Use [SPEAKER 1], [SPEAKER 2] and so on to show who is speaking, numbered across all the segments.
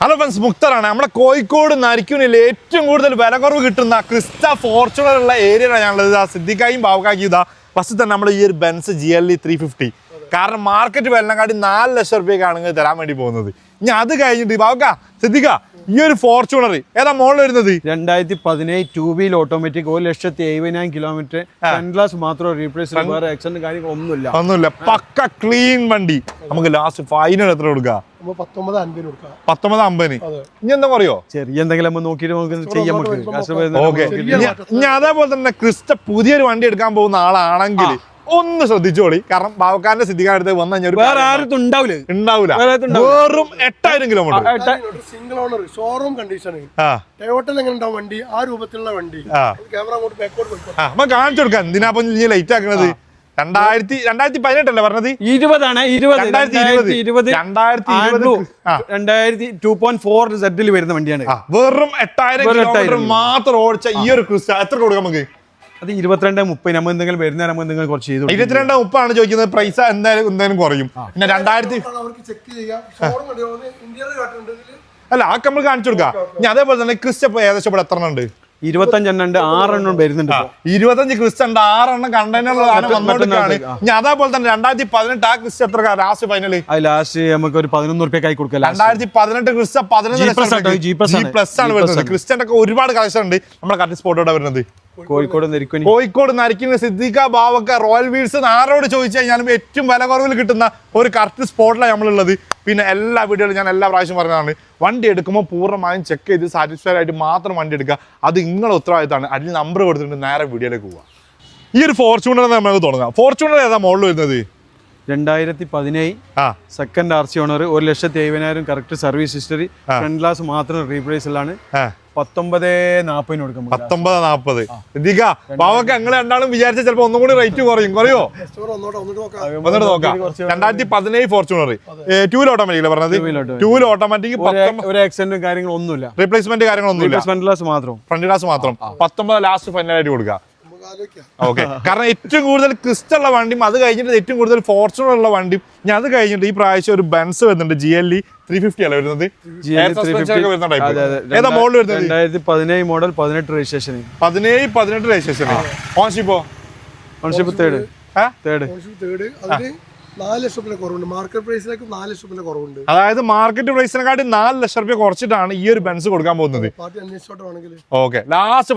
[SPEAKER 1] Hello friends, മുക്തറാണ്. നമ്മുടെ കോഴിക്കോട് നരിക്കുനിൽ ഏറ്റവും കൂടുതൽ വില കുറവ് കിട്ടുന്ന ക്രിസ്റ്റ ഫോർച്യൂണർ ഉള്ള ഏരിയയിലാണ് ഞാനുള്ളത്. സിദ്ദിഖായും ബാബുക്കായും ഇതാ ഫസ്റ്റ് തന്നെ നമ്മൾ ഈ ഒരു ബെൻസ് GLE 350. കാരണം മാർക്കറ്റ് വിലനെക്കാട്ടി 4 ലക്ഷം റുപ്യക്കാണ് നിങ്ങൾ തരാൻ വേണ്ടി പോകുന്നത്. ഇനി അത് കഴിഞ്ഞിട്ട് ബാബുക്ക, സിദ്ദിഖ, ഈ ഒരു ഫോർച്യൂണർ ഏതാ മോഡൽ വരുന്നത്?
[SPEAKER 2] 2017 2 wheel automatic 1,70,000 kilometre, front glass മാത്രം റീപ്ലേസ്, വേറെ ആക്സിഡന്റ് കാര്യങ്ങൾ ഒന്നുമില്ല. പക്ക ക്ലീൻ വണ്ടി. നമുക്ക് ലാസ്റ്റ് ഫൈനൽ എത്ര കൊടുക്കുക? 1950. ഇനി എന്താ പറയോ? ചെറിയ എന്തെങ്കിലും നോക്കിയിട്ട് ചെയ്യാം.
[SPEAKER 1] ഓക്കെ. ഇനി അതേപോലെ തന്നെ ക്രിസ്റ്റ പുതിയൊരു വണ്ടി എടുക്കാൻ പോകുന്ന ആളാണെങ്കിൽ ഒന്ന് ശ്രദ്ധിച്ചോളി. കാരണം ബാബുക്കാരന്റെ സിദ്ദിഖാന്റെ അടുത്ത് വന്നു കഴിഞ്ഞാൽ
[SPEAKER 2] വേറെ ആരും ഉണ്ടാവില്ല.
[SPEAKER 1] വെറും 8000 kilometre
[SPEAKER 3] single owner, showroom condition. ടൊയോട്ടയിൽ എങ്ങനെ ഉണ്ടാവും വണ്ടി? ആ രൂപത്തിലുള്ള വണ്ടി. ക്യാമറ അങ്ങോട്ട് ബാക്കോട്ട്
[SPEAKER 1] നമ്മൾ കാണിച്ചു കൊടുക്കാം. എന്തിനാ ലൈറ്റ് ആക്കണത്? 2018 അല്ലേ പറഞ്ഞത്?
[SPEAKER 2] 2.4 സെറ്റിൽ വരുന്ന വണ്ടിയാണ്.
[SPEAKER 1] വെറും 8000 കിലോമീറ്റർ മാത്രം ഓടിച്ച ഈ ഒരു ക്രിസ്റ്റ എത്ര കൊടുക്കാം നമുക്ക്?
[SPEAKER 2] അത് 22-30. നമ്മൾ എന്തെങ്കിലും വരുന്ന നമ്മൾ എന്തെങ്കിലും കുറച്ച് ചെയ്തു.
[SPEAKER 1] 22-30 ആണ് ചോദിക്കുന്നത്. പ്രൈസ് എന്തായാലും കുറയും. പിന്നെ 2000 അല്ല, ആ നമ്മൾ കാണിച്ചു കൊടുക്കാം. ഇനി അതേപോലെ തന്നെ ക്രിസ്റ്റ ഏകദേശം ഇവിടെ എത്ര ഉണ്ട്?
[SPEAKER 2] 25 6 വരുന്നുണ്ട്.
[SPEAKER 1] 25 ക്രിസ്റ്റ ഉണ്ട്, 6 കണ്ടെയ്നർ വന്നോട്ടാണ്. ഇനി അതേപോലെ തന്നെ 2018 ആ ക്രിസ്റ്റ എത്ര ലാസ്റ്റ് ഫൈനൽ?
[SPEAKER 2] ലാസ്റ്റ് നമുക്ക് ഒരു 11 റുപ്യക്കായി കൊടുക്കാം.
[SPEAKER 1] 2018 ക്രിസ്റ്റ 11 ആണ് വരുന്നത്. ക്രിസ്റ്റന്റെ ഒക്കെ ഒരുപാട് കളക്ഷൻ ഉണ്ട്. നമ്മുടെ കറക്റ്റ് സ്പോട്ടോടെ വരുന്നത് കോഴിക്കോട് നരിക്കുന്ന സിദ്ദിഖ ബാവക്ക റോയൽ വീൽസ്. ആരോട് ചോദിച്ചു കഴിഞ്ഞാലും ഏറ്റവും വില കുറവിൽ കിട്ടുന്ന ഒരു കറക്റ്റ് സ്പോട്ടിലാണ് നമ്മളുള്ളത്. പിന്നെ എല്ലാ വീഡിയോയിലും ഞാൻ എല്ലാ പ്രാവശ്യം പറഞ്ഞതാണ്, വണ്ടി എടുക്കുമ്പോൾ പൂർണ്ണമായും ചെക്ക് ചെയ്ത് സാറ്റിസ്ഫൈഡ് ആയിട്ട് മാത്രം വണ്ടി എടുക്കുക. അത് നിങ്ങളുടെ ഉത്തരവാദിത്തമാണ്. അതിൽ നമ്പർ കൊടുത്തിട്ട് നേരെ വീഡിയോയിലേക്ക് പോവുക. ഈ ഒരു ഫോർച്യൂണർ നമുക്ക് തുടങ്ങാം. ഫോർച്യൂണർ ഏതാ മോഡൽ വരുന്നത്?
[SPEAKER 2] 2017 second RC owner, 1,70,000 correct service history, front glass മാത്രം റീപ്ലേസിലാണ്. 1940 കൊടുക്കും.
[SPEAKER 1] 1940. സിദ്ദിഖ ബാവക്ക, നിങ്ങൾ രണ്ടാളും വിചാരിച്ച ചിലപ്പോ ഒന്നും കൂടി റേറ്റ് കുറയോ? ഒന്നിട്ട് നോക്കാം. 2017 ഫോർച്യൂണർ 2 വീൽ ഓട്ടോമാറ്റിക് പറഞ്ഞത്. 2 വീൽ ഓട്ടോമാറ്റിക്,
[SPEAKER 2] ഒരു ആക്സിഡന്റും കാര്യങ്ങളും ഒന്നുമില്ല,
[SPEAKER 1] റീപ്ലേസ്മെന്റ് കാര്യങ്ങളൊന്നുമില്ല,
[SPEAKER 2] ഫ്രണ്ട് ഗ്ലാസ് മാത്രം.
[SPEAKER 1] 19 ലാസ്റ്റ് ഫൈനലായിട്ട് കൊടുക്കുക. ഓക്കെ. കാരണം ഏറ്റവും കൂടുതൽ ക്രിസ്റ്റ ഉള്ള വണ്ടിയും അത് കഴിഞ്ഞിട്ട് ഏറ്റവും കൂടുതൽ ഫോർച്യൂണർ ഉള്ള വണ്ടിയും ഞാൻ അത് കഴിഞ്ഞിട്ട് ഈ പ്രാവശ്യം ഒരു ബെൻസ് വരുന്നുണ്ട്. GLE 350 അല്ല വരുന്നത്. ഏതാ മോഡൽ വരുന്നത്?
[SPEAKER 2] 2017 model, 18 registration.
[SPEAKER 1] 17 registration. Ownership third.
[SPEAKER 3] 4 ലക്ഷം രൂപ കുറവുണ്ട്. മാർക്കറ്റ് പ്രൈസിലേക്ക് 4 ലക്ഷം രൂപ കുറവുണ്ട്.
[SPEAKER 1] അതായത് മാർക്കറ്റ് പ്രൈസിനെക്കാട്ടി 4 ലക്ഷം രൂപ കുറച്ചിട്ടാണ് ഈ ഒരു ബെൻസ് കൊടുക്കാൻ പോകുന്നത്. ഓക്കെ. ലാസ്റ്റ്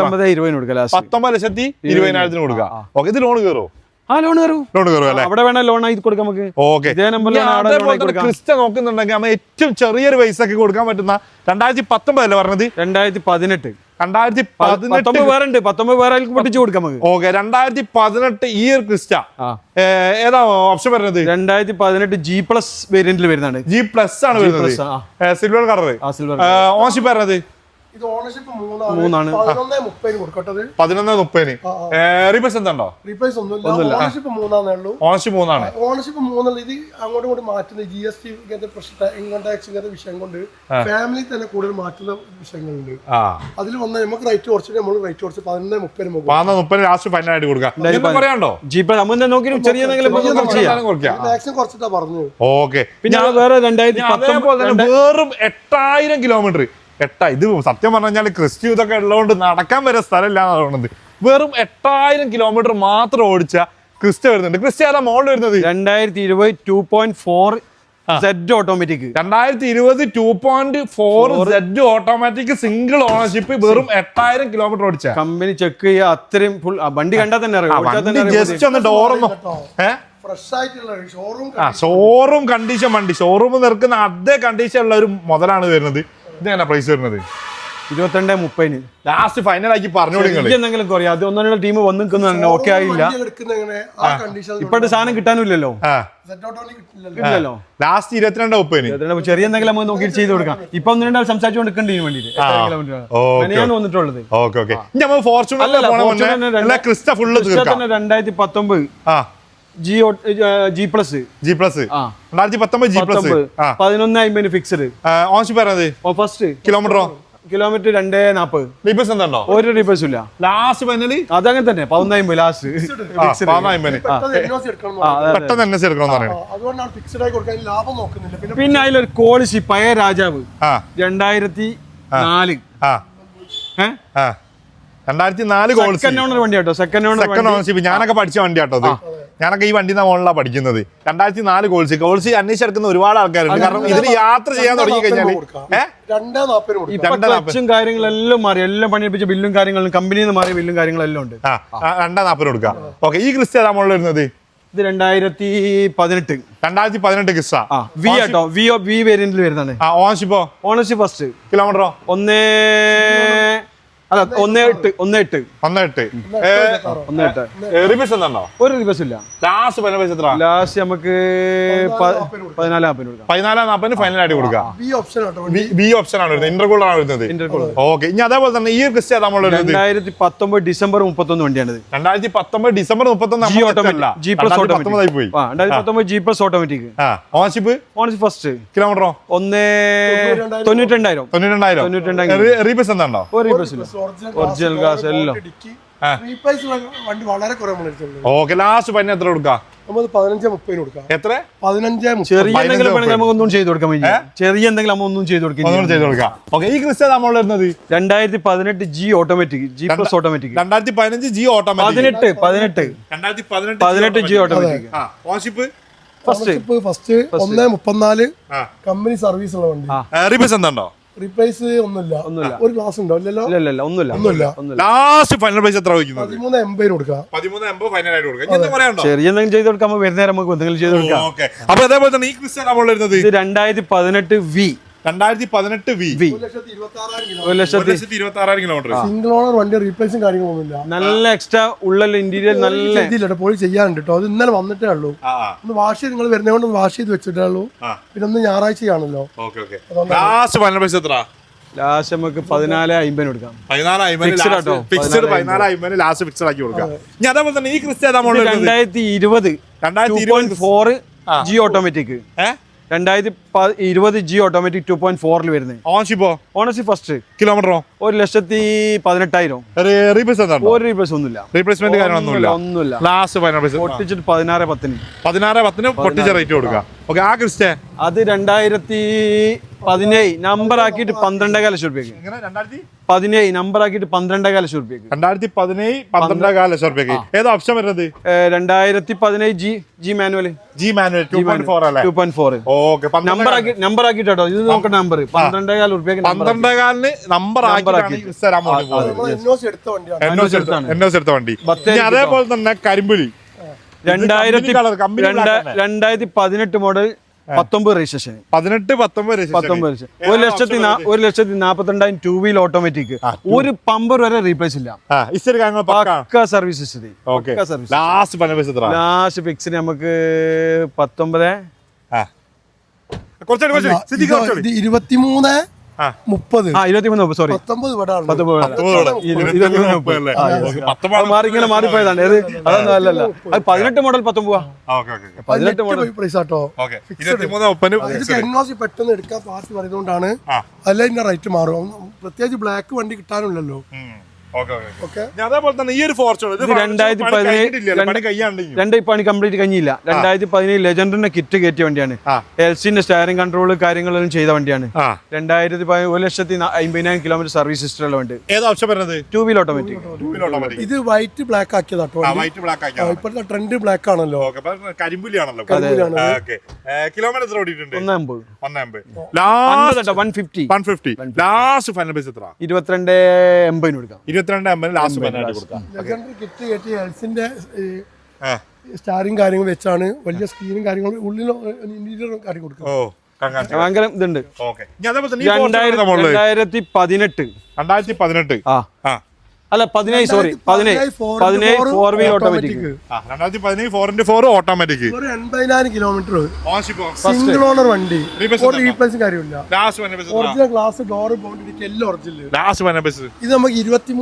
[SPEAKER 1] 19,20,000 കൊടുക്കുക. ഓക്കെ. ഇത് ലോൺ കയറോ?
[SPEAKER 2] ലോൺ കയറും അല്ലേ? അവിടെ വേണം ലോൺ ആയി കൊടുക്കാം നമുക്ക്.
[SPEAKER 1] ഓക്കെ. ക്രിസ്റ്റ നോക്കുന്നുണ്ടെങ്കിൽ നമ്മൾ ഏറ്റവും ചെറിയൊരു പൈസക്ക് കൊടുക്കാൻ പറ്റുന്ന 2019 അല്ലേ പറഞ്ഞത്?
[SPEAKER 2] 2018
[SPEAKER 1] പൊട്ടിച്ചു കൊടുക്കാം നമുക്ക്. ഓക്കെ. 2018 ഈ ഒരു ക്രിസ്റ്റ ഏതാ ഓപ്ഷൻ വരുന്നത്?
[SPEAKER 2] 2018 G+ വേരിയന്റിൽ വരുന്നതാണ്.
[SPEAKER 1] G+ ആണ് വരുന്നത്. Silver colour. ഓൺഷിപ്പ് വരുന്നത്
[SPEAKER 3] ഇത് ഓണർഷിപ്പ് 3 ആണ്.
[SPEAKER 1] 11,30. റീപ്ലേസ് എന്താണോ?
[SPEAKER 3] റീപ്ലേസ് ഒന്നുമില്ല. ഓണർഷിപ്പ് 3 ഉള്ളൂ.
[SPEAKER 1] ഓണർഷിപ്പ് 3
[SPEAKER 3] ഓണർഷിപ്പ് 3 ഇത് അങ്ങോട്ടും ഇങ്ങോട്ട് മാറ്റുന്ന GST ഇങ്ങനത്തെ പ്രശ്നം, ഇൻകം ടാക്സ് ഇങ്ങനത്തെ വിഷയം കൊണ്ട് ഫാമിലി തന്നെ കൂടുതൽ മാറ്റുന്ന വിഷയങ്ങളുണ്ട്. അതിൽ വന്ന നമുക്ക് റേറ്റ് കുറച്ചിട്ട് നമ്മൾ റേറ്റ് കുറച്ച് 11,30
[SPEAKER 1] ലാസ്റ്റ് ഫൈനലായിട്ട് കൊടുക്കാം. പറയാണ്ടോ?
[SPEAKER 3] മാക്സിമം കുറച്ചിട്ടാ പറഞ്ഞു.
[SPEAKER 1] ഓക്കെ.
[SPEAKER 2] പിന്നെ വേറെ 2019
[SPEAKER 1] വെറും 8000 കിലോമീറ്റർ. ഇത് സത്യം പറഞ്ഞു കഴിഞ്ഞാൽ ക്രിസ്റ്റു ഇതൊക്കെ ഉള്ളതുകൊണ്ട് നടക്കാൻ വരെ സ്ഥലമില്ല എന്നാണ് തോന്നുന്നത്. വെറും 8000 കിലോമീറ്റർ മാത്രം ഓടിച്ച ക്രിസ്റ്റ വരുന്നുണ്ട്. ക്രിസ്റ്റ ഏതാ മോഡൽ വരുന്നത്?
[SPEAKER 2] 2020 2.4 Z automatic.
[SPEAKER 1] 2020 2.4 Z automatic single ownership, വെറും 8000 കിലോമീറ്റർ ഓടിച്ച.
[SPEAKER 2] കമ്പനി ചെക്ക് ചെയ്യുക, അത്രയും ഫുൾ വണ്ടി കണ്ടാൽ തന്നെ
[SPEAKER 1] ജസ്റ്റ് ഒന്ന് ഡോറൊന്നും ഷോറൂം കണ്ടീഷൻ വണ്ടി. ഷോറൂം നിൽക്കുന്ന അതേ കണ്ടീഷൻ ഉള്ള ഒരു മുതലാണ് വരുന്നത്. ഇതെങ്ങനെ പ്രൈസ് വരുന്നത്?
[SPEAKER 2] 22-30
[SPEAKER 1] ലാസ്റ്റ് ഫൈനൽ ആക്കി പറഞ്ഞോളൂ.
[SPEAKER 2] എന്തെങ്കിലും കുറയാം. അത് ഒന്നും ടീം വന്നിരിക്കുന്നു. ഓക്കെ ആയില്ല. ഇപ്പോഴത്തെ സാധനം കിട്ടാനില്ലല്ലോ.
[SPEAKER 1] ലാസ്റ്റ് 22-30
[SPEAKER 2] ചെറിയ എന്തെങ്കിലും നമുക്ക് നോക്കി ചെയ്ത് കൊടുക്കാം. ഇപ്പൊ 1-2 സംസാരിച്ചുകൊണ്ട് വേണ്ടിട്ട് വന്നിട്ടുള്ളത്.
[SPEAKER 1] 2019
[SPEAKER 2] G+ 11,50 ഫിക്സ്ഡ്.
[SPEAKER 1] ഓൺഷിപ്പ് ഫസ്റ്റ് കിലോമീറ്ററോ?
[SPEAKER 2] കിലോമീറ്റർ 240.
[SPEAKER 1] റീപ്ലേസ് എന്താണോ?
[SPEAKER 2] ഒരു റീപ്ലേസും ഇല്ല.
[SPEAKER 1] ലാസ്റ്റ് ഫൈനലി
[SPEAKER 2] അതങ്ങനെ തന്നെ 1450 ലാസ്റ്റ്.
[SPEAKER 1] പെട്ടെന്ന് NS എടുക്കണം
[SPEAKER 3] അതുകൊണ്ടാണ് ഫിക്സ്ഡ് ആയി കൊടുക്കാൻ ലാഭം നോക്കുന്നില്ല.
[SPEAKER 2] പിന്നെ അതിലൊരു കോളിസി പഴയ രാജാവ് 2004
[SPEAKER 1] 2004
[SPEAKER 2] സെക്കൻഡ് ഓണർ വണ്ടി കേട്ടോ. Second
[SPEAKER 1] ownership. ഞാനൊക്കെ പഠിച്ച വണ്ടി കേട്ടോ അത്. ഞാനൊക്കെ ഈ വണ്ടി മോളിലാണ് പഠിക്കുന്നത്. 2004 കോൾസി അന്വേഷിച്ചെടുക്കുന്ന ഒരുപാട് ആൾക്കാരുണ്ട്. കാരണം ഇതിന് യാത്ര ചെയ്യാൻ തുടങ്ങി കഴിഞ്ഞാല്
[SPEAKER 3] 240
[SPEAKER 2] കാര്യങ്ങളെല്ലാം മാറി. എല്ലാം പണിയിപ്പിച്ച ബില്ലും കാര്യങ്ങളും കമ്പനിയിൽ നിന്ന് മാറിയ ബില്ലും കാര്യങ്ങളെല്ലാം ഉണ്ട്.
[SPEAKER 1] 240 കൊടുക്കാം. ഓക്കെ, ഈ ക്രിസ്റ്റ ഏതാ മോളിൽ വരുന്നത്?
[SPEAKER 2] ഇത്
[SPEAKER 1] 2018 ക്രിസ്റ്റ
[SPEAKER 2] വി ആട്ടോ. വി വേരിയന്റിൽ വരുന്നതാണ്.
[SPEAKER 1] ഓണർഷിപ്പോ?
[SPEAKER 2] Ownership first.
[SPEAKER 1] കിലോമീറ്ററോ?
[SPEAKER 2] 1.8.
[SPEAKER 1] റീപ്ലേസ് എന്താണോ?
[SPEAKER 2] ഒരു റിവേഴ്സ് ഇല്ല.
[SPEAKER 1] ലാസ്റ്റ്
[SPEAKER 2] ലാസ്റ്റ് നമുക്ക് 1440
[SPEAKER 1] 1440 ഫൈനൽ ആയിട്ട് കൊടുക്കാം. ബി ഓപ്ഷൻ ആണ് വരുന്നത്. ഇന്റർകൂളർ ആണ് വരുന്നത്. ഓക്കെ, ഇനി അതേപോലെ തന്നെ ഈ ക്രിസ്റ്റ നമ്മൾ
[SPEAKER 2] 2019 ഡിസംബർ 31 വണ്ടിയാണ്.
[SPEAKER 1] 2019 December 31
[SPEAKER 2] G automatic. G plus automatic.
[SPEAKER 1] 2019
[SPEAKER 2] G plus automatic.
[SPEAKER 1] Ownership
[SPEAKER 2] first.
[SPEAKER 1] കിലോമീറ്ററോ?
[SPEAKER 2] 92,000.
[SPEAKER 1] റീപ്ലേസ് എന്താണോ?
[SPEAKER 2] ഒരു റിവേഴ്സ് ഇല്ല. ഒറിജിനൽ ഗ്ലാസ് എല്ലാം.
[SPEAKER 3] വണ്ടി വളരെ കുറവ്.
[SPEAKER 1] ഓക്കെ, ലാസ്റ്റ് പൈന എത്ര കൊടുക്കാം?
[SPEAKER 3] 15-30 കൊടുക്കാം.
[SPEAKER 1] എത്ര?
[SPEAKER 3] 15-30.
[SPEAKER 2] ചെറിയ എന്തെങ്കിലും നമുക്ക് ഒന്നും ചെയ്ത് കൊടുക്കാൻ പറ്റില്ല. ചെറിയ എന്തെങ്കിലും നമ്മൾ ഒന്നും ചെയ്ത് കൊടുക്കാം.
[SPEAKER 1] ഓക്കെ, ഈ ക്രിസ്റ്റ നമ്മൾ വരുന്നത്
[SPEAKER 2] 2018 G automatic. G plus automatic.
[SPEAKER 1] 2015 G automatic.
[SPEAKER 2] 18 G automatic.
[SPEAKER 1] Ownership
[SPEAKER 3] first 1.34 company service ഉള്ള വണ്ടി.
[SPEAKER 1] റീപ്ലേസ് എന്താണോ?
[SPEAKER 3] റീപ്ലേസ് ഒന്നുമില്ല. ഒരു ഗ്ലാസ് ഉണ്ടോ? ഇല്ലല്ലോ. ഒന്നുമില്ല.
[SPEAKER 1] ലാസ്റ്റ് ഫൈനൽ പ്രൈസ് എത്ര വയ്ക്കുന്നത്?
[SPEAKER 3] 13.80 കൊടുക്കാം.
[SPEAKER 1] 13.80 ഫൈനൽ ആയിട്ട് കൊടുക്കാം.
[SPEAKER 2] ചെറിയ എന്തെങ്കിലും ചെയ്ത് കൊടുക്കാൻ വരുന്നേരം നമുക്ക് എന്തെങ്കിലും ചെയ്ത് കൊടുക്കാം.
[SPEAKER 1] അപ്പൊ അതേപോലെ തന്നെ ഈ ക്രിസ്റ്റ നമ്മൾ വരുന്നത്
[SPEAKER 2] 2018 V.
[SPEAKER 1] 2018 V.
[SPEAKER 2] 1,26,000
[SPEAKER 1] kilometre.
[SPEAKER 3] Single owner വണ്ടി. റീപ്ലേസും കാര്യങ്ങളൊന്നുമില്ല.
[SPEAKER 2] നല്ല എക്സ്ട്രാ ഉള്ള ഇന്റീരിയർ നല്ല
[SPEAKER 3] പോയി ചെയ്യാനുണ്ട് കേട്ടോ. അത് ഇന്നലെ വന്നിട്ടേ ഉള്ളൂ. ഒന്ന് വാഷ് ചെയ്ത് നിങ്ങൾ വരുന്നതുകൊണ്ട് വാഷ് ചെയ്ത് വെച്ചിട്ടേ ഉള്ളൂ. പിന്നെ ഒന്ന് ഞായറാഴ്ചയാണല്ലോ.
[SPEAKER 1] ലാസ്റ്റ് ഫൈനൽ പ്രൈസ് എത്ര?
[SPEAKER 2] ലാസ്റ്റ് നമുക്ക് 14,50 കൊടുക്കാം.
[SPEAKER 1] 14,50 ലാസ്റ്റ് ഫിക്സഡ് ആക്കി കൊടുക്കാം. ഇനി അതേപോലെ തന്നെ ഈ Crysta
[SPEAKER 2] 2020 2.4 G automatic. 2020 G automatic 2.4 വരുന്നത്. Ownership first.
[SPEAKER 1] കിലോമീറ്ററോ?
[SPEAKER 2] 1,18,000.
[SPEAKER 1] റീപ്ലേസ് എന്താണ്?
[SPEAKER 2] ഒരു റീപ്ലേസ് ഒന്നുമില്ല.
[SPEAKER 1] റീപ്ലേസ്മെന്റ് കാര്യങ്ങളൊന്നുമില്ല. ലാസ്റ്റ് ഫൈനൽ പ്രൈസ്
[SPEAKER 2] പൊട്ടിച്ചിട്ട് 16,10.
[SPEAKER 1] 16,10 പൊട്ടിച്ച റേറ്റ് കൊടുക്കാം. ഓക്കെ, ആ ക്രിസ്റ്റ
[SPEAKER 2] അത് 2017 നമ്പർ ആക്കിയിട്ട് 12,5 ലക്ഷം രൂപയ്ക്ക്. 17 നമ്പർ ആക്കിയിട്ട് 12,5 ലക്ഷം രൂപയ്ക്ക്.
[SPEAKER 1] 2017 12,5 ലക്ഷം രൂപയ്ക്ക്. ഏതാ ഓപ്ഷൻ വരുന്നത്?
[SPEAKER 2] 2017 G മാനുവൽ.
[SPEAKER 1] 2.4 അല്ലേ?
[SPEAKER 2] 2.4.
[SPEAKER 1] ഓക്കെ,
[SPEAKER 2] നമ്പർ ആക്കിട്ടോ. ഇത് നോക്കട്ടെ. നമ്പർ 12,5 രൂപയ്ക്ക്.
[SPEAKER 1] 12,5 നമ്പർ ആക്കി എടുത്ത വണ്ടി. അതേപോലെ തന്നെ കരിമ്പുലി
[SPEAKER 2] 2018 model 19 registration. 1,42,000 two wheel automatic. ഒരു പമ്പർ വരെ റീപ്ലേസ് ഇല്ല. സർവീസ് ലാസ്റ്റ് ഫിക്സിന് നമുക്ക് 19 സോറി 19 മാറിപ്പോയതാണ്. അതൊന്നും അല്ലല്ല. 18 മോഡൽ 19. 18 മോഡൽ
[SPEAKER 3] പെട്ടെന്ന് എടുക്കാൻ പാർട്ടി പറയുന്നതുകൊണ്ടാണ്. അല്ല ഇതിന്റെ റേറ്റ് മാറും. പ്രത്യേകിച്ച് ബ്ലാക്ക് വണ്ടി കിട്ടാനില്ലല്ലോ.
[SPEAKER 1] അതേപോലെ തന്നെ ഈ ഒരു ഫോർച്യൂണർ
[SPEAKER 2] 2017 പണി കംപ്ലീറ്റ് കഴിഞ്ഞില്ല. 2017 ലെജൻഡിന്റെ കിറ്റ് കയറ്റിയ വണ്ടിയാണ്. എൽസിന്റെ സ്റ്റയറിംഗ് കൺട്രോൾ കാര്യങ്ങളെല്ലാം ചെയ്ത വണ്ടിയാണ്. 1,50,000 കിലോമീറ്റർ സർവീസ് ഹിസ്റ്ററിയുള്ള വണ്ടി. Two wheel automatic.
[SPEAKER 3] ഇത് വൈറ്റ് ബ്ലാക്ക് ആക്കിയതാട്ടോ. ഇപ്പോഴത്തെ ട്രെൻഡ് ബ്ലാക്ക് ആണല്ലോ.
[SPEAKER 1] കരിമ്പുലിയാണല്ലോ. കിലോമീറ്റർ ഓടിയിട്ടുണ്ട് 150. ലാസ്റ്റ് ഫൈനൽ പ്രൈസ് എത്ര?
[SPEAKER 2] 22,80 കൊടുക്കാം.
[SPEAKER 1] 22,50 ലാസ്റ്റ് ഫൈനൽ കൊടുക്കാം.
[SPEAKER 3] കിറ്റ് കയറ്റി എൽസിന്റെ സ്റ്റാറിംഗ് കാര്യങ്ങൾ വെച്ചാണ്. വലിയ സ്ക്രീനും കാര്യങ്ങളും ഉള്ളിൽ ഇന്റീരിയർ കാര്യം കൊടുക്കുക.
[SPEAKER 2] ഭയങ്കര ഇതുണ്ട്. 2018 അല്ല 17 sorry 17 four wheel automatic.
[SPEAKER 1] 2017 4x4 automatic.
[SPEAKER 3] 80,000 kilometre. Single owner വണ്ടി. ഒരു റീപ്ലേസും കാര്യമില്ല. ഒറിജിനൽ ഗ്ലാസ് ഡോർ ബൗണ്ടറി എല്ലാം ഒറിജിനൽ. ഇത് നമുക്ക്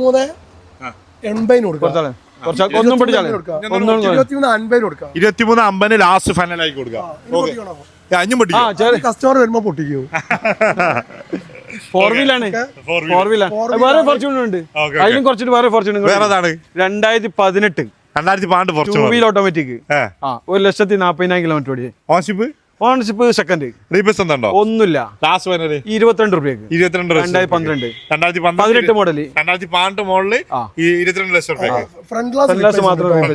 [SPEAKER 3] 23,80 കൊടുക്കാം. 23,50 കൊടുക്കാം.
[SPEAKER 1] 23,50 ലാസ്റ്റ് ഫൈനൽ ആയി കൊടുക്കാം.
[SPEAKER 3] കസ്റ്റമർ വരുമ്പോ പൊട്ടിക്കോ.
[SPEAKER 2] ഫോർ വീലാണ് ഫോർ വീലാണ് വേറെ ഫോർച്യൂണർ ഉണ്ട് അതിലും കുറച്ചിട്ട് വേറെ ഫോർച്യൂണർ
[SPEAKER 1] വേറെ ഏതാണ്
[SPEAKER 2] 2018
[SPEAKER 1] 2018
[SPEAKER 2] ടൂ വീൽ ഓട്ടോമാറ്റിക് 1,40,000 കിലോമീറ്റർ ഓടി
[SPEAKER 1] ഓൺഷിപ്പ്
[SPEAKER 2] ഓണർഷിപ്പ് സെക്കൻഡ്
[SPEAKER 1] റീപ്ലേസ് ഉണ്ടോ
[SPEAKER 2] ഒന്നുമില്ല
[SPEAKER 1] ലാസ്റ്റ് വന്നത്
[SPEAKER 2] 22 രൂപയ്ക്ക് 18 മോഡല്
[SPEAKER 1] 2018 മോഡല് 22 ലക്ഷം രൂപയ്ക്ക്
[SPEAKER 3] ഫ്രണ്ട്
[SPEAKER 2] ഗ്ലാസ് മാത്രം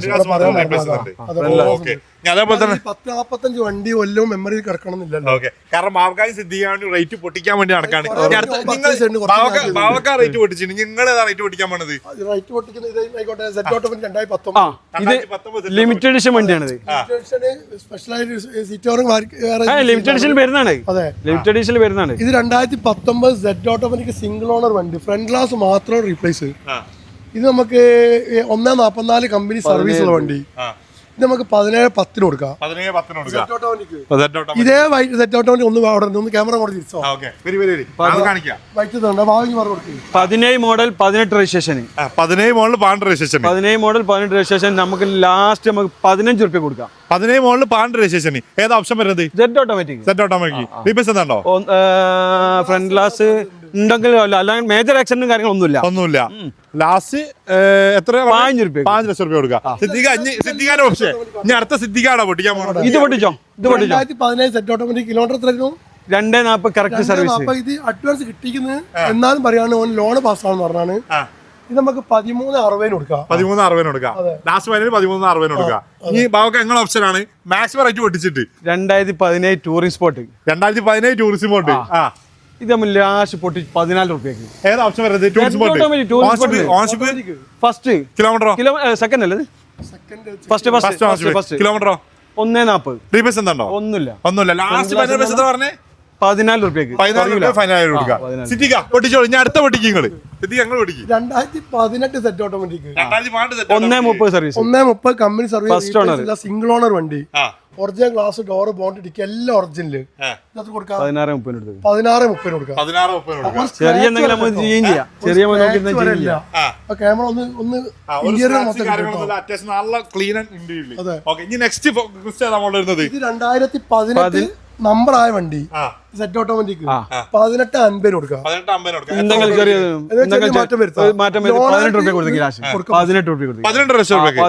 [SPEAKER 1] അതേപോലെ തന്നെ
[SPEAKER 3] 10-45 വണ്ടി കൊല്ലവും മെമ്മറിയിൽ കിടക്കണമെന്നില്ലല്ലോ.
[SPEAKER 1] കാരണം ബാവക്കായി സിദ്ധിക്കാൻ വേണ്ടി റേറ്റ് പൊട്ടിക്കാൻ വേണ്ടി നടക്കാണ്. ബാവക്ക റേറ്റ് പൊട്ടിച്ചു, നിങ്ങൾ ഏതാ റേറ്റ് പൊട്ടിക്കാൻ പോണത്?
[SPEAKER 3] റേറ്റ് പൊട്ടിക്കുന്ന ഇതായിക്കോട്ടെ, സെറ്റ് ഓട്ടോമാറ്റിക് 2019
[SPEAKER 2] ലിമിറ്റഡ് എഡിഷൻ വണ്ടിയാണിത്.
[SPEAKER 3] സ്പെഷ്യലായിട്ട് സീറ്റ്
[SPEAKER 2] ലിമിറ്റഡ് എഡിഷൻ വരുന്നതാണ്.
[SPEAKER 3] അതെ,
[SPEAKER 2] ലിമിറ്റഡ് എഡിഷൻ വരുന്നതാണ്.
[SPEAKER 3] ഇത് 2019 സെറ്റ് ഓട്ടോമാറ്റിക് സിംഗിൾ ഓണർ വണ്ടി, ഫ്രണ്ട് ഗ്ലാസ് മാത്രം റീപ്ലേസ്. ഇത് നമുക്ക് 1.44 കമ്പനി സർവീസ് ഉള്ള വണ്ടി. ഇത് നമുക്ക് 17,10 കൊടുക്കാം. ഇതേ സെറ്റ് ഓട്ടോമാറ്റിക് ഒന്ന് ക്യാമറ കൂടെ തിരിച്ചോ.
[SPEAKER 2] 17 മോഡൽ 18 രജിസ്ട്രേഷൻ.
[SPEAKER 1] 17 മോഡൽ
[SPEAKER 2] 18 രജിസ്ട്രേഷൻ നമുക്ക് ലാസ്റ്റ് നമുക്ക് 15 രൂപ കൊടുക്കാം.
[SPEAKER 1] 17 മോഡൽ 18 രജിസ്ട്രേഷൻ. ഏതാ ഓപ്ഷൻ വരുന്നത്?
[SPEAKER 2] Z automatic.
[SPEAKER 1] റീപ്ലേസ് എന്താണോ?
[SPEAKER 2] ഫ്രണ്ട് ഗ്ലാസ് ഉണ്ടെങ്കിൽ അല്ലെങ്കിൽ മേജർ ആക്സിഡന്റും കാര്യങ്ങളൊന്നുമില്ല.
[SPEAKER 1] ലാസ്റ്റ് എത്ര?
[SPEAKER 2] 5 രൂപ
[SPEAKER 1] 5 ലക്ഷം രൂപ കൊടുക്കാം. സിദ്ധിക്കാന്റെ ഓപ്ഷൻ ഇനി അടുത്ത സിദ്ധിക്കാണോ പൊട്ടിക്കാൻ പോകുന്നത്?
[SPEAKER 2] ഇത് പൊട്ടിച്ചോ.
[SPEAKER 3] 2017 സെറ്റ് ഓട്ടോമാറ്റിക് കിലോമീറ്റർ എത്രയായിരുന്നു?
[SPEAKER 2] 240 കറക്റ്റ് സർവീസ്.
[SPEAKER 3] ഇത് അഡ്വാൻസ് കിട്ടിക്കുന്നത് എന്നാലും പറയാണ് ഓൻ ലോൺ പാസ്സാണെന്ന് പറഞ്ഞാണ്. ഇത് നമുക്ക് 13,60 കൊടുക്കാം.
[SPEAKER 1] 13,60 കൊടുക്കാം. ലാസ്റ്റ് ഫൈനൽ 13,60 കൊടുക്കാം. ഈ ബാവക്ക് എങ്ങനെ ഓപ്ഷൻ ആണ്? മാക്സിമം റേറ്റ് പൊട്ടിച്ചിട്ട്
[SPEAKER 2] 2017 ടൂറിസ്റ്റ് സ്പോട്ട്.
[SPEAKER 1] 2017 tourist spot.
[SPEAKER 2] ഇത് നമ്മൾ ലാസ്റ്റ് പൊട്ടി 14 രൂപയ്ക്ക്.
[SPEAKER 1] ഏതാ ഓപ്ഷൻ വരുന്നത്? ടൂറിസ്റ്റ്
[SPEAKER 2] ഫസ്റ്റ് കിലോമീറ്ററോ സെക്കൻഡ് അല്ലേ? ഫസ്റ്റ്
[SPEAKER 1] കിലോമീറ്ററോ
[SPEAKER 2] 1.40.
[SPEAKER 1] റീപ്ലേസ് എന്താണോ? ഒന്നുമില്ല. ലാസ്റ്റ് എത്ര പറഞ്ഞേ?
[SPEAKER 2] 14 രൂപയ്ക്ക്.
[SPEAKER 1] 14 ഫൈനൽ കൊടുക്കാം. സിദ്ധിക്ക പൊട്ടിച്ചോളൂ. ഞാൻ അടുത്ത പൊട്ടിക്കും. നിങ്ങൾ സിദ്ധിക്ക ഞങ്ങൾ പൊട്ടിക്കും.
[SPEAKER 3] 2018 Z automatic
[SPEAKER 2] 1.30 service.
[SPEAKER 3] 1.30 company service single owner വണ്ടി. Original glass, door, bonnet dickey എല്ലാം ഒറിജിനൽ.
[SPEAKER 2] 16-30
[SPEAKER 3] കൊടുക്കാം.
[SPEAKER 2] ചെറിയ എന്തെങ്കിലും നമുക്ക് ചെയ്യാം. ചെറിയ
[SPEAKER 3] ക്യാമറ ഒന്ന് ഇന്റീരിയർ മൊത്തം.
[SPEAKER 1] നല്ല ക്ലീൻ ആൻഡ് ഇന്റീരിയർ. ഓക്കേ, ഇനി നെക്സ്റ്റ് വരുന്നത്
[SPEAKER 3] ഇത് 2018 നമ്പർ ആയ വണ്ടി സെറ്റ് ഓട്ടോമാറ്റിക് 18,50 കൊടുക്കാം.
[SPEAKER 2] മാറ്റം വരുത്താം. 18 രൂപ കൊടുത്തെങ്കിൽ 18 രൂപ കൊടുത്തു.
[SPEAKER 1] 18 ലക്ഷം രൂപ.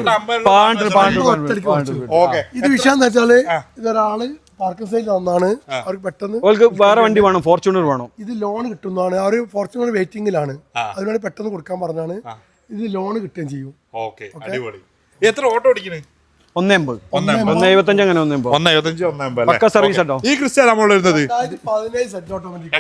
[SPEAKER 3] ഇത് വിഷയം എന്താ വെച്ചാല്, ഇതൊരാള് പാർക്കിംഗ് സൈഡിൽ വന്നാണ്, അവർക്ക് പെട്ടെന്ന്
[SPEAKER 2] വേറെ വണ്ടി വേണം, ഫോർച്യൂണർ വേണം.
[SPEAKER 3] ഇത് ലോൺ കിട്ടുന്നതാണ്. അവർ ഫോർച്യൂണർ വെയിറ്റിംഗിലാണ്, അതിനാണ് പെട്ടെന്ന് കൊടുക്കാൻ പറഞ്ഞാണ്. ഇത് ലോൺ കിട്ടുകയും ചെയ്യും.
[SPEAKER 1] എത്ര ഓട്ടോ ഓടിക്കുന്നത്?
[SPEAKER 2] 1.75 അങ്ങനെ 1.75 പക്ക സർവീസ് കേട്ടോ.
[SPEAKER 1] ഈ ക്രിസ്റ്റ നമ്മൾ വരുന്നത്
[SPEAKER 3] 2017 Z automatic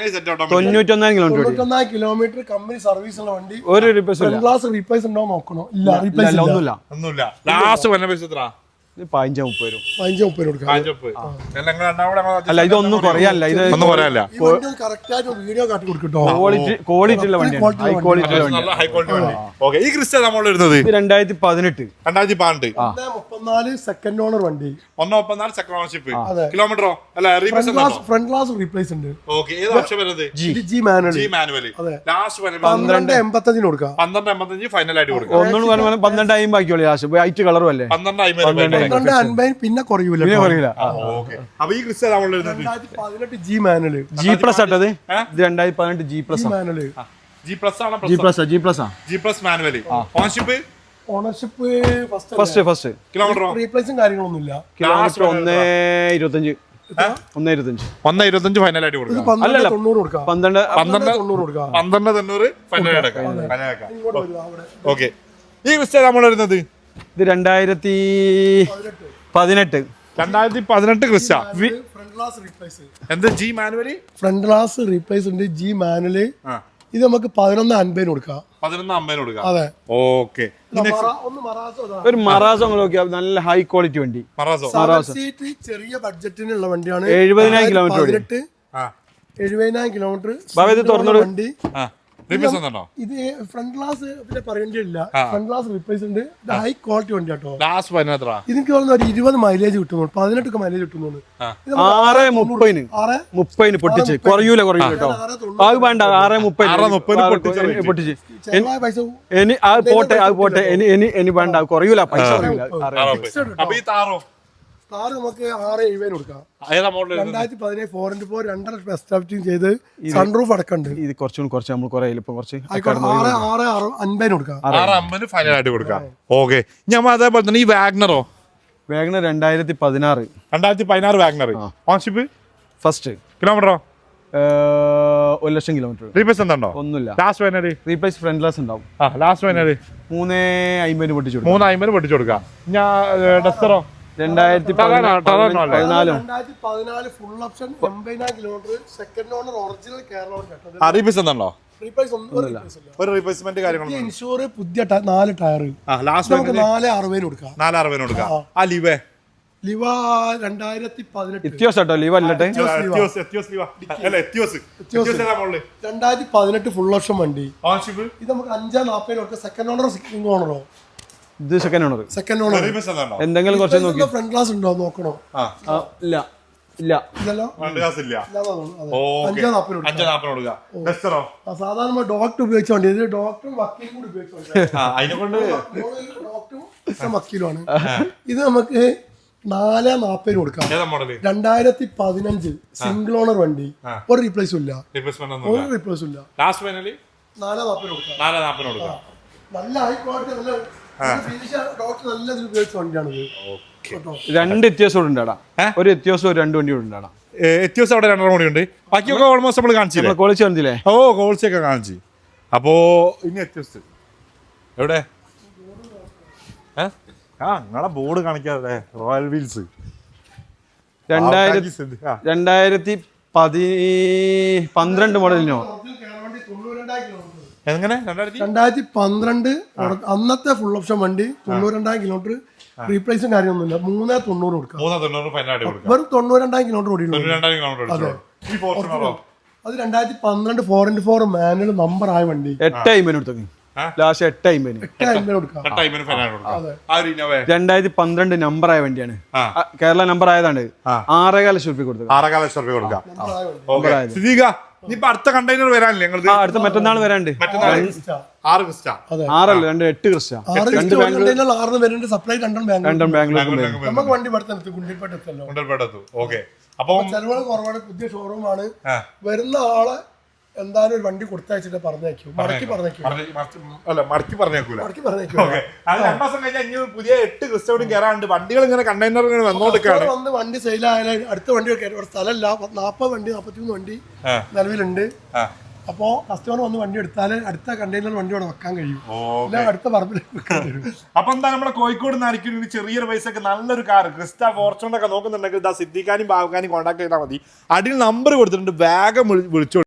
[SPEAKER 2] 91
[SPEAKER 3] kilometre company service ഉള്ള വണ്ടി.
[SPEAKER 2] ഒരു റിപ്ലേസ്
[SPEAKER 3] റീപ്ലേസ് ഉണ്ടോ നോക്കണോ? ഇല്ല, റീപ്ലേസ്
[SPEAKER 1] ഒന്നുമില്ല. ലാസ്റ്റ് വന്ന പൈസ എത്ര?
[SPEAKER 2] 15-30 വരും.
[SPEAKER 3] 15-30 കൊടുക്കാം.
[SPEAKER 2] അല്ല, ഇതൊന്നും കുറയല്ല. ഇത്
[SPEAKER 3] കറക്റ്റ് ആയിട്ട് വീഡിയോ കാട്ടി കൊടുക്കട്ടോ.
[SPEAKER 2] ക്വാളിറ്റി ഉള്ള വണ്ടിയാണ്. ഹൈ ക്വാളിറ്റി ഉള്ള
[SPEAKER 1] വണ്ടി. ഈ ക്രിസ്റ്റ നമ്മൾ വരുന്നത്
[SPEAKER 2] 2018
[SPEAKER 3] 1.34 സെക്കൻഡ് ഓണർ വണ്ടി.
[SPEAKER 1] 1.34 സെക്കൻഡ് ഓണർഷിപ്പ്. കിലോമീറ്ററോ? അല്ല,
[SPEAKER 3] ഫ്രണ്ട് ഗ്ലാസ് റീപ്ലേസ് ഉണ്ട്.
[SPEAKER 1] ഏത് ഓപ്ഷൻ വരുന്നത്?
[SPEAKER 3] G manual.
[SPEAKER 1] ലാസ്റ്റ്
[SPEAKER 3] 12.85 കൊടുക്കാം.
[SPEAKER 1] 12.85 ഫൈനൽ ആയിട്ട് കൊടുക്കാം.
[SPEAKER 2] ഒന്നും 12.50 ബാക്കിയുള്ളൂ. ലാസ്റ്റ് വൈറ്റ് കളറും അല്ലേ?
[SPEAKER 3] 12.50 പിന്നെ കുറയൂല.
[SPEAKER 1] അപ്പൊ ഈ ക്രിസ്റ്റ നമ്മൾ
[SPEAKER 3] 2018 ജി മാനുവൽ.
[SPEAKER 2] ജി പ്ലസ് ആട്ടത്. ഇത് 2018 G plus
[SPEAKER 3] manual.
[SPEAKER 1] G plus ആണ്.
[SPEAKER 2] G plus
[SPEAKER 1] manual.
[SPEAKER 3] Ownership
[SPEAKER 2] first.
[SPEAKER 1] Kilometre
[SPEAKER 3] റീപ്ലേസും കാര്യങ്ങളൊന്നുമില്ല.
[SPEAKER 2] കിലോമീറ്റർ 1.25
[SPEAKER 1] 1.25 ഫൈനൽ ആയിട്ട് കൊടുക്കാം.
[SPEAKER 3] 12.90 കൊടുക്കാം.
[SPEAKER 2] 12.90
[SPEAKER 3] കൊടുക്കാം.
[SPEAKER 1] 12.90 ഫൈനൽ ആയിട്ട്. ഓക്കെ, ഈ ക്രിസ്റ്റ നമ്മൾ വരുന്നത്
[SPEAKER 2] ഇത് 2018 ക്രിസ്റ്റ.
[SPEAKER 1] എന്ത്? G manual.
[SPEAKER 3] Front glass replace ഉണ്ട്. G manual. ഇത് നമുക്ക് 11.50 കൊടുക്കാം.
[SPEAKER 1] 11.50 കൊടുക്കാം.
[SPEAKER 3] അതെ.
[SPEAKER 1] ഓക്കെ,
[SPEAKER 2] ഒരു മറാസോ നോക്കിയാൽ നല്ല ഹൈ ക്വാളിറ്റി വണ്ടി.
[SPEAKER 3] ചെറിയ ബഡ്ജറ്റിനുള്ള വണ്ടിയാണ്.
[SPEAKER 2] 70,000 കിലോമീറ്റർ.
[SPEAKER 3] 70,000 കിലോമീറ്റർ വണ്ടി. ഇത് ഫ്രണ്ട് ഗ്ലാസ് പിന്നെ പറയേണ്ടിയില്ല. ഫ്രണ്ട് ഗ്ലാസ് റീപ്ലേസ് ഉണ്ട്. ഇത് ഹൈ ക്വാളിറ്റി വണ്ടി കേട്ടോ. ഇതിന് തോന്നുന്നു ഒരു 20 മൈലേജ് കിട്ടുന്നുണ്ട്. 18 മൈലേജ് കിട്ടുന്നുണ്ട്.
[SPEAKER 2] 6.30 പൊട്ടിച്ച് കുറയൂല കേട്ടോ. അത് വേണ്ട. 6.30 പൊട്ടിച്ച് പോട്ടെ. ഇനി വേണ്ട, കുറയൂല പൈസ.
[SPEAKER 3] കാറ് നമുക്ക് 6,70 കൊടുക്കാം. 2017 4x4 2.5 എസ്റ്റാബ്ലിഷിംഗ് ചെയ്ത് സൺറൂഫ് അടക്കണ്ട്.
[SPEAKER 2] ഇത് കുറച്ച് നമ്മൾ കുറേ ഇപ്പൊ കുറച്ച്
[SPEAKER 3] 6,50 കൊടുക്കാം.
[SPEAKER 1] 6,50 ഫൈനൽ ആയിട്ട് കൊടുക്കാം. ഓക്കെ. ഞാൻ അതേപോലെ തന്നെ ഈ വാഗ്നറോ?
[SPEAKER 2] WagonR 2016
[SPEAKER 1] WagonR. Ownership
[SPEAKER 2] first.
[SPEAKER 1] കിലോമീറ്ററോ?
[SPEAKER 2] 1,00,000 കിലോമീറ്റർ.
[SPEAKER 1] റീപ്ലേസ് എന്താണോ?
[SPEAKER 2] ഒന്നുമില്ല.
[SPEAKER 1] Last final
[SPEAKER 2] replace front glass ഉണ്ടാവും.
[SPEAKER 1] ലാസ്റ്റ് ഫൈനൽ
[SPEAKER 2] 3,50 പൊട്ടിച്ചു
[SPEAKER 1] 3,50 പൊട്ടിച്ചു കൊടുക്കാം. ഞാൻ ഡസ്റ്ററോ?
[SPEAKER 2] 2014
[SPEAKER 3] full option 80,000 kilometre second owner original Kerala.
[SPEAKER 1] Replace എന്താണോ?
[SPEAKER 3] ഒരു
[SPEAKER 1] റീപ്ലേസ്മെന്റ് കാര്യങ്ങളൊന്നും
[SPEAKER 3] ഇൻഷൂർ പുതിയ 4 ടയർ നമുക്ക് 4,60 കൊടുക്കാം.
[SPEAKER 1] 4,60 കൊടുക്കാം. ആ ലിവേ
[SPEAKER 3] ലിവ 2018
[SPEAKER 2] എത്തിയോസ് ലിവ അല്ലട്ടെ
[SPEAKER 3] 2018 ഫുൾ ഓപ്ഷൻ വണ്ടി. ഇത് നമുക്ക് 5,40 കൊടുക്കാം. സെക്കൻഡ് ഓണറോ സിംഗിൾ ഓണറോ?
[SPEAKER 2] ഇത് സെക്കൻഡ് ഓണർ. എന്തെങ്കിലും കുറച്ച് നോക്കി.
[SPEAKER 3] ഫ്രണ്ട് ഗ്ലാസ് ഉണ്ടോ നോക്കണോ?
[SPEAKER 2] ഇല്ല ഇല്ല
[SPEAKER 3] ഇല്ലല്ലോ. സാധാരണ ഡോക്ടർ ഉപയോഗിച്ച വണ്ടി. ഇത് ഡോക്ടറും വക്കീലും കൂടി ഉപയോഗിച്ച ഡോക്ടറും വക്കീലുമാണ്. ഇത് നമുക്ക് 4,40 കൊടുക്കാം. 2015 സിംഗിൾ ഓണർ വണ്ടി. ഒരു റീപ്ലേസും ഇല്ല. 4,40 കൊടുക്കാം. നല്ല ഹൈ ക്വാളിറ്റി ഡോക്ടർ നല്ല ഉപയോഗിച്ച വണ്ടിയാണിത്.
[SPEAKER 2] 2 എത്തിയോസ് ഉണ്ടാടാ. ഒരു എത്തിയോസ് 2 വണ്ടി ഉണ്ടാടാ.
[SPEAKER 1] എത്തിയോസ് അവിടെ 2 വണ്ടി ഉണ്ട്. ബാക്കിയൊക്കെ ഓൾമോസ്റ്റ് നമ്മൾ കാണിച്ചില്ലേ?
[SPEAKER 2] ക്വാളിറ്റി കാണിച്ചില്ലേ?
[SPEAKER 1] ക്വാളിറ്റി ഒക്കെ കാണിച്ചു. അപ്പോ ഇനി എത്തിയോസ് എവിടെ? നിങ്ങളെ ബോർഡ് കാണിക്കാതെ റോയൽ വീൽസ്
[SPEAKER 2] 2012 മോഡലിനോ?
[SPEAKER 1] എങ്ങനെ?
[SPEAKER 3] 2012 അന്നത്തെ ഫുൾ ഓപ്ഷൻ വണ്ടി 92,000 കിലോമീറ്റർ. റീപ്ലേസും കാര്യമൊന്നുമില്ല. 3,90 കൊടുക്കാം. വെറും 92,000 കിലോമീറ്റർ ഓടിയുള്ളൂ. അത് 2012 4x4 മാനുവൽ നമ്പർ ആയ വണ്ടി.
[SPEAKER 2] 8,50 കൊടുത്തു. ലാസ്റ്റ് 8,50
[SPEAKER 3] കൊടുക്കാം.
[SPEAKER 2] 2012 നമ്പർ ആയ വണ്ടിയാണ്. കേരള നമ്പർ ആയതാണ്. 6,50 രൂപ കൊടുത്തു.
[SPEAKER 1] 6,50 കൊടുക്കാം. അടുത്ത കണ്ടെയ്നർ വരാനില്ലേ?
[SPEAKER 2] അടുത്ത മറ്റന്നാൾ വരാണ്ട്.
[SPEAKER 1] 6 ക്രിസ്റ്റ.
[SPEAKER 2] 6 അല്ല 8 ക്രിസ്റ്റ.
[SPEAKER 3] 2 ബാംഗ്ലൂർ സപ്ലൈ. 2 ബാംഗ്ലൂർ. നമുക്ക് വണ്ടി പഠിത്തം ഗുണ്ടിൽപേട്ടല്ലോ.
[SPEAKER 1] ഓക്കെ. അപ്പൊ
[SPEAKER 3] ചെലവുകൾ കുറവാണ്. പുതിയ ഷോറൂമാണ്. വരുന്ന ആളെ എന്തായാലും ഒരു വണ്ടി കൊടുത്തയച്ചിട്ട് പറഞ്ഞേക്കും. മടക്കി പറഞ്ഞേക്കൂല.
[SPEAKER 1] പുതിയ 8 ക്രിസ്റ്റോടും കയറാണ്ട് വണ്ടികൾ ഇങ്ങനെ കണ്ടെയ്നർ ഇങ്ങനെ വന്നോണ്ടിരിക്കുകയാണ്.
[SPEAKER 3] വന്ന് വണ്ടി സെയിലായാലും അടുത്ത വണ്ടി സ്ഥലമല്ല. 40 വണ്ടി 43 വണ്ടി നിലവിലുണ്ട്. അപ്പോ കസ്റ്റമർ വന്ന് വണ്ടി എടുത്താൽ അടുത്ത കണ്ടെയ്നർ വണ്ടി അവിടെ വെക്കാൻ കഴിയും. അടുത്ത പറമ്പിൽ.
[SPEAKER 1] അപ്പൊ എന്താ നമ്മുടെ കോഴിക്കോട് നിന്നായിരിക്കും ചെറിയൊരു പൈസക്ക് നല്ലൊരു കാർ ക്രിസ്റ്റ ഫോർച്യൂണർ ഒക്കെ നോക്കുന്നുണ്ടെങ്കിൽ സിദ്ദിഖാനും ബാബുഖാനും കോൺടാക്ട് ചെയ്താൽ മതി. അടിയിൽ നമ്പർ കൊടുത്തിട്ടുണ്ട്. വേഗം വിളിച്ചോളൂ.